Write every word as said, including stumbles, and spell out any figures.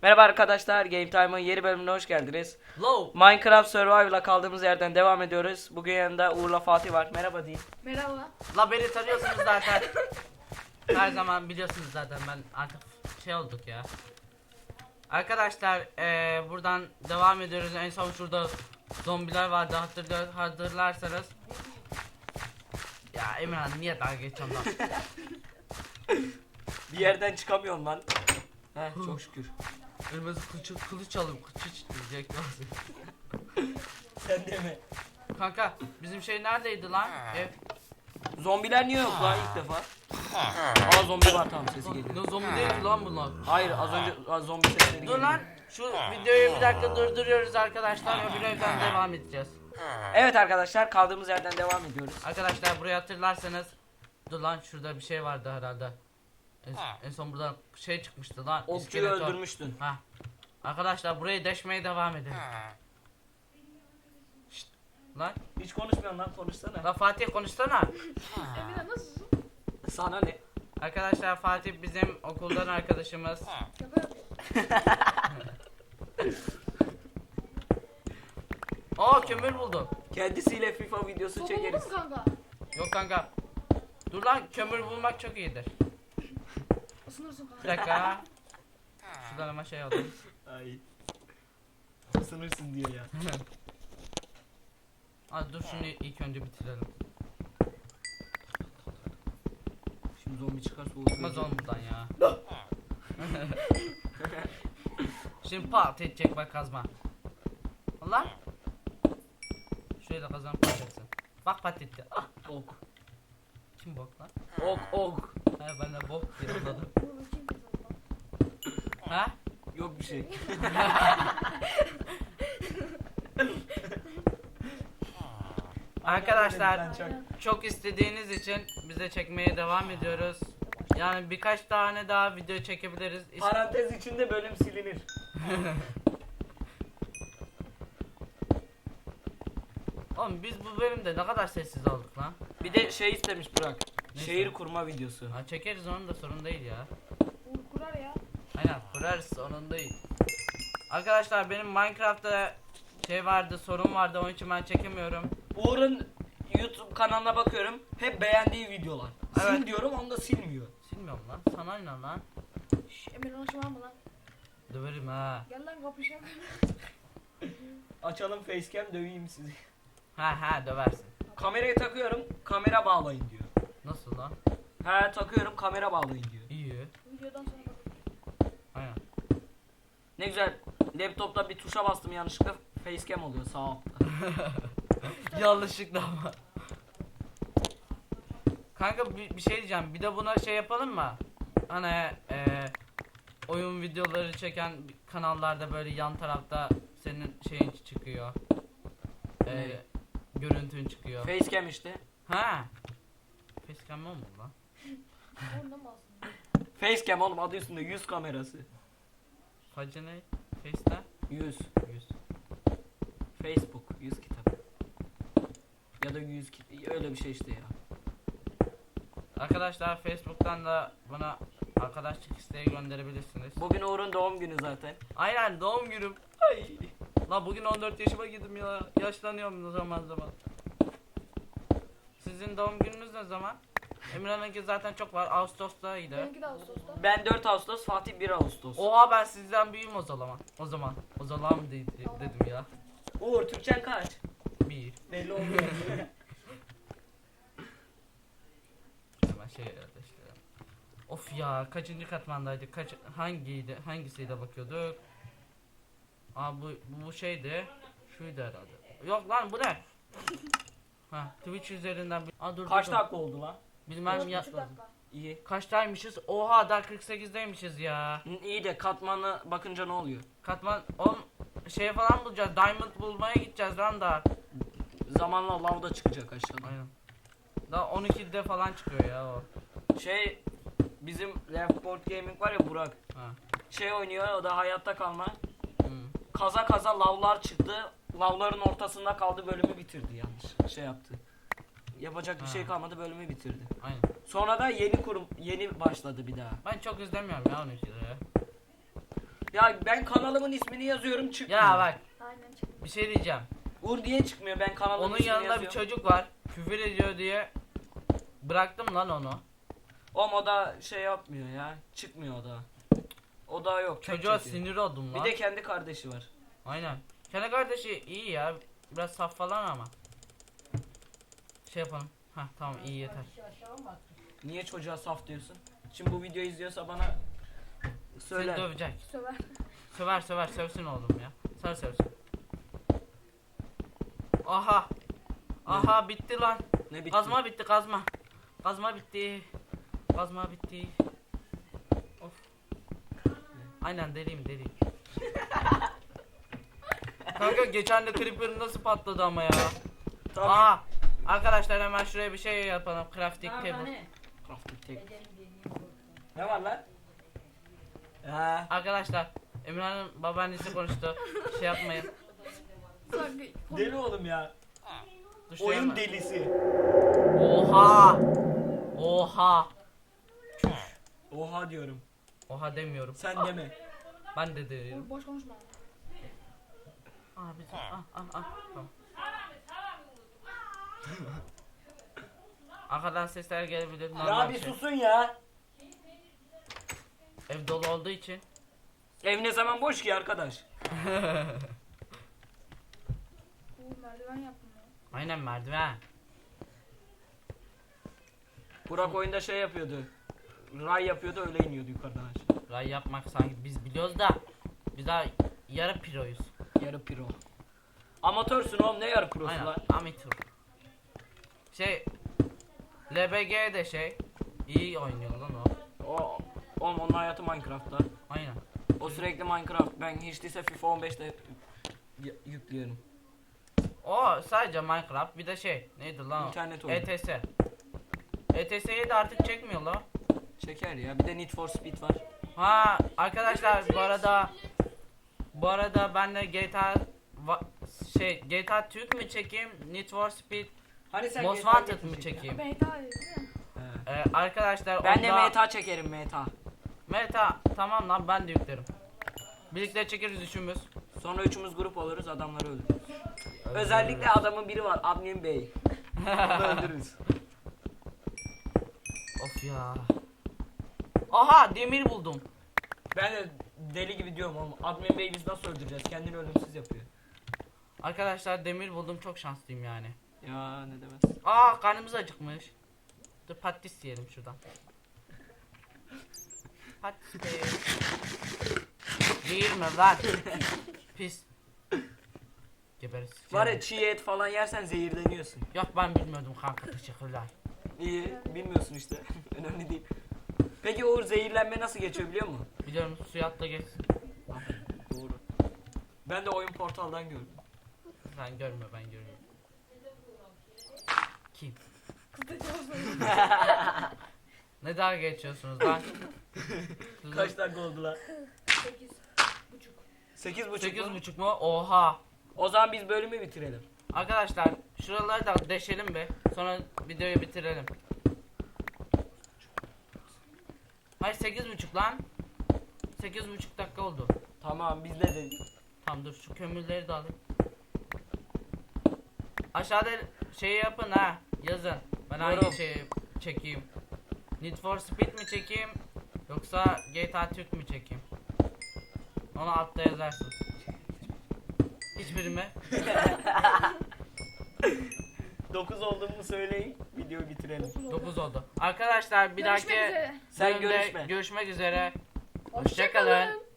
Merhaba arkadaşlar, Game Time'ın yeni bölümüne hoş geldiniz. Low. Minecraft Survival'a kaldığımız yerden devam ediyoruz. Bugün yanında Uğur'la Fatih var. Merhaba deyin. Merhaba. La beni tanıyorsunuz zaten. Her zaman biliyorsunuz zaten, ben artık şey olduk ya. Arkadaşlar eee, buradan devam ediyoruz. En son şurada zombiler vardı, hatırlıyor, hatırlarsanız. Ya Emirhan niye dalga geçiyorsun lan? Bir yerden çıkamıyorum lan. Heh, çok şükür. Kırmızı kılıç, kılıç alıp kılıç diyecek lazım. Sen de mi? Kanka bizim şey neredeydi lan? Ev. Zombiler niye yok lan ilk defa? Aa zombi var, tamam, sesi geliyor. Ne zombi değil ki lan bunlar. Hayır, az önce az zombi sesleri Dur geliyor. lan, şu videoyu bir dakika durduruyoruz arkadaşlar, öbür evden devam edeceğiz. Evet arkadaşlar, kaldığımız yerden devam ediyoruz. Arkadaşlar burayı hatırlarsanız, dur lan şurada bir şey vardı herhalde. En, en son buradan şey çıkmıştı lan. Okçuyu iskeleton. öldürmüştün. Ha. Arkadaşlar burayı deşmeye devam edelim. Şşt, lan. Hiç konuşmuyorsun lan, konuşsana. Lan Fatih konuşsana. Emine nasılsın? Sana ne? Arkadaşlar Fatih bizim okuldan arkadaşımız. Şaka yapıyorum. Aa kömür buldum. Kendisiyle FIFA videosu Sopa çekeriz. buldun mu kanka? Yok kanka. Dur lan, kömür bulmak çok iyidir. Isınırsın kanka. Bir dakika. Şuradan hemen şey alayım. Ay. Isınırsın diyor ya. Hadi dur şunu ilk önce bitirelim. Şimdi zombi çıkarsa Çıkmaz oğlum buradan ya. Şimdi pat edecek bak kazma. Allah. Şöyle kazan patacaksın. Bak pat etti. Ah, Ok. kim bok lan? Ok ok. Ha ben de bok diye anladım. Bunu kim kazandı lan? Ha? Yok bir şey. Arkadaşlar Ben çok- çok istediğiniz için bize çekmeye devam ediyoruz. Yani birkaç tane daha video çekebiliriz. İs- Parantez içinde bölüm silinir. Oğlum biz bu bölümde ne kadar sessiz olduk lan. Bir de şey istemiş Burak. Ne Şehir istemiş? kurma videosu. Ha, çekeriz, onun da sorun değil ya. Uğur kurar ya. Aynen kurarız, onun değil. Arkadaşlar benim Minecraft'ta şey vardı, sorun vardı, onun için ben çekemiyorum. Uğur'un YouTube kanalına bakıyorum. Hep beğendiği videolar. Sil Evet. diyorum, onu da silmiyor. Silmiyorum lan, sana ne lan? Şşş Emine hoş var mı lan? Döverim ha. Gel lan kapışalım. Açalım facecam, döveyim sizi. Ha ha döversin. Kamerayı takıyorum, kamera bağlayın diyor. Nasıl lan? He takıyorum, kamera bağlayın diyor. İyi. Videodan sonra bak. Aynen. Ne güzel. Laptopta bir tuşa bastım yanlışlıkla, facecam oluyor sağ altta. Yanlışlıkla ama. Kanka bir, bir şey diyeceğim. Bir de buna şey yapalım mı? Hani e, oyun videoları çeken kanallarda böyle yan tarafta senin şeyin çıkıyor. E, Ne? görüntün çıkıyor. Facecam işte. Ha. Facecam mı oldu lan? Ondan mı alsın? Facecam oğlum, adı üstünde yüz kamerası. Facı ne? Face'te? yüz. Yüz. Facebook yüz kitap. Ya da yüz kitap, öyle bir şey işte ya. Arkadaşlar Facebook'tan da bana arkadaşlık isteği gönderebilirsiniz. Bugün Uğur'un doğum günü zaten. Aynen doğum günüm. Ay. La bugün on dört yaşıma girdim ya. Yaşlanıyorum zaman zaman. Sizin doğum gününüz ne zaman? Emirhan'ınki zaten çok var. Ağustos'taydı. Benimki de Ağustos'ta. Ben dört Ağustos, Fatih bir Ağustos. Oha ben sizden büyüğüm o zaman. O zaman. O zaman mı de- dedim ya. Uğur, Türkçen kaç? Bir. Belli olmuyor. Hemen şey yerleştirelim. Of ya kaçıncı katmandaydık? Kaç hangiydi? Hangisiydi bakıyorduk? Aa bu bu şeydi. Şuydu herhalde. Yok lan bu ne? Ha Twitch üzerinden bir... Aa dur Kaç dur, dur. dakika oldu lan? Bilmem Dört ya. buçuk dakika. İyi. Kaçtaymışız? Oha daha kırk sekizdeymişiz ya. Hı, İyi de katmanı bakınca ne oluyor? Katman on şey falan bulacağız. Diamond bulmaya gideceğiz lan da. Zamanla lav da çıkacak aşağıdan. Aynen. Daha on ikide falan çıkıyor ya o. Şey, bizim Left Board Gaming var ya, Burak. Ha. Şey oynuyor, o da hayatta kalma. Hı. Kaza kaza lavlar çıktı. Lavların ortasında kaldı, bölümü bitirdi yanlış. Şey yaptı. Yapacak bir Ha. şey kalmadı, bölümü bitirdi. Aynen. Sonra da yeni kurum yeni başladı bir daha. Ben çok izlemiyorum ya on ikide ya. Ya ben kanalımın ismini yazıyorum çıkmıyor. Ya bak Aynen çıktı. bir şey diyeceğim. Uğur diye çıkmıyor ben kanalımın Onun ismini yanında bir yazıyorum. çocuk var. Küfür ediyor diye bıraktım lan onu. O moda şey yapmıyor ya. Çıkmıyor o da. O da yok. tek Çocuğa çekiyor. sinir oldum Bir lan. de kendi kardeşi var. Aynen. Kendi kardeşi iyi ya. Biraz saf falan ama. Şey yapalım. Hah tamam iyi yeter. Niye çocuğa saf diyorsun? Şimdi bu videoyu izliyorsa bana söyle. Seni dövecek. Söver. Söver söver sövsün oğlum ya. Sar sövsün. Aha. Aha bitti lan. Ne bitti? Kazma bitti kazma. Kazma bitti. Kazma bitti. Of. Aynen deliyim deliyim. Kanka geçen de creeper nasıl patladı ama ya. Tabii. Aha. Arkadaşlar hemen şuraya bir şey yapalım. Crafting table. Crafting table. Ne var lan? Ha. Arkadaşlar Emirhan'ın babaannesi konuştu. Şey yapmayın. Sanki. Deli oğlum ya. Dur şuraya Oyun hemen- delisi. Oha. Oha. Oha diyorum. Oha demiyorum. Sen deme. Ben de diyorum. Oğlum boş konuşma. Aa bir ah ah ah. Tamam. Arkadan sesler gelebilir. Ya normal bir şey. susun ya. Ev dolu olduğu için. Ev ne zaman boş ki arkadaş? Uğur merdiven yaptım ya. Aynen merdiven. Burak oyunda şey yapıyordu. Ray yapıyordu öyle iniyordu yukarıdan aşağı. Ray yapmak sanki biz biliyoruz da biz daha yarı piroyuz. Yarı pro. Amatörsün oğlum ne yarı prosu Aynen lan? amatör. Şey L B G de şey iyi oynuyor lan o. O oğlum onun hayatı Minecraft'ta. Aynen. O sürekli Minecraft. Ben hiç değilse FIFA on beşte y- yüklüyorum. O sadece Minecraft bir de şey neydi lan o? İnternet oyunu. E T S. E T S'yi de artık çekmiyor lan. Çeker ya. Bir de Need for Speed var. Ha arkadaşlar bu arada bu arada ben de G T A va- şey G T A Türk mü çekeyim Need for Speed Hani sen Most G T A Wanted mı getirecektin? çekeyim? Beta değil mi? He. Ee, arkadaşlar Ben de onda- M T A çekerim M T A. Meta tamam lan ben de yüklerim. Birlikte çekeriz üçümüz. Sonra üçümüz grup oluruz adamları öldürürüz. Özellikle adamın biri var Admin Bey. Onu öldürürüz. Of ya. Aha demir buldum. Ben de deli gibi diyorum oğlum. Admin Bey'i biz nasıl öldüreceğiz? Kendini ölümsüz yapıyor. Arkadaşlar demir buldum çok şanslıyım yani. Ya ne demez. Aa karnımız acıkmış. Dur patates yiyelim şuradan. Patates. Değil mi lan? Pis. Geberiz. Var ya çiğ et falan yersen zehirleniyorsun. Yok ben bilmiyordum kanka teşekkürler. İyi bilmiyorsun işte. Önemli değil. Peki Uğur zehirlenme nasıl geçiyor biliyor musun? Biliyorum suya atla geç. Doğru. Ben de oyun portaldan gördüm. Sen görmüyor ben görüyorum. Kim? Ne dalga geçiyorsunuz lan? Kaç dakika oldu lan? Sekiz. Buçuk. Sekiz buçuk. Sekiz mu? buçuk mu? Oha. O zaman biz bölümü bitirelim. Arkadaşlar şuraları da deşelim be. Sonra videoyu bitirelim. Hayır sekiz buçuk lan. Sekiz buçuk dakika oldu. Tamam bizde de. Tamam dur şu kömürleri de alayım. Aşağıda şey yapın ha. Yazın. Ben Yorum. hangi şeyi çekeyim? Need for Speed mi çekeyim? Yoksa G T A Türk mü çekeyim? Onu altta yazarsınız. Hiçbiri mi? dokuz olduğumu söyleyin. Videoyu bitirelim. dokuz oldu. Arkadaşlar bir Görüşmek dahaki üzere. Sen bölümde görüşme. görüşmek üzere. Hoşça Hoşçakalın. kalın.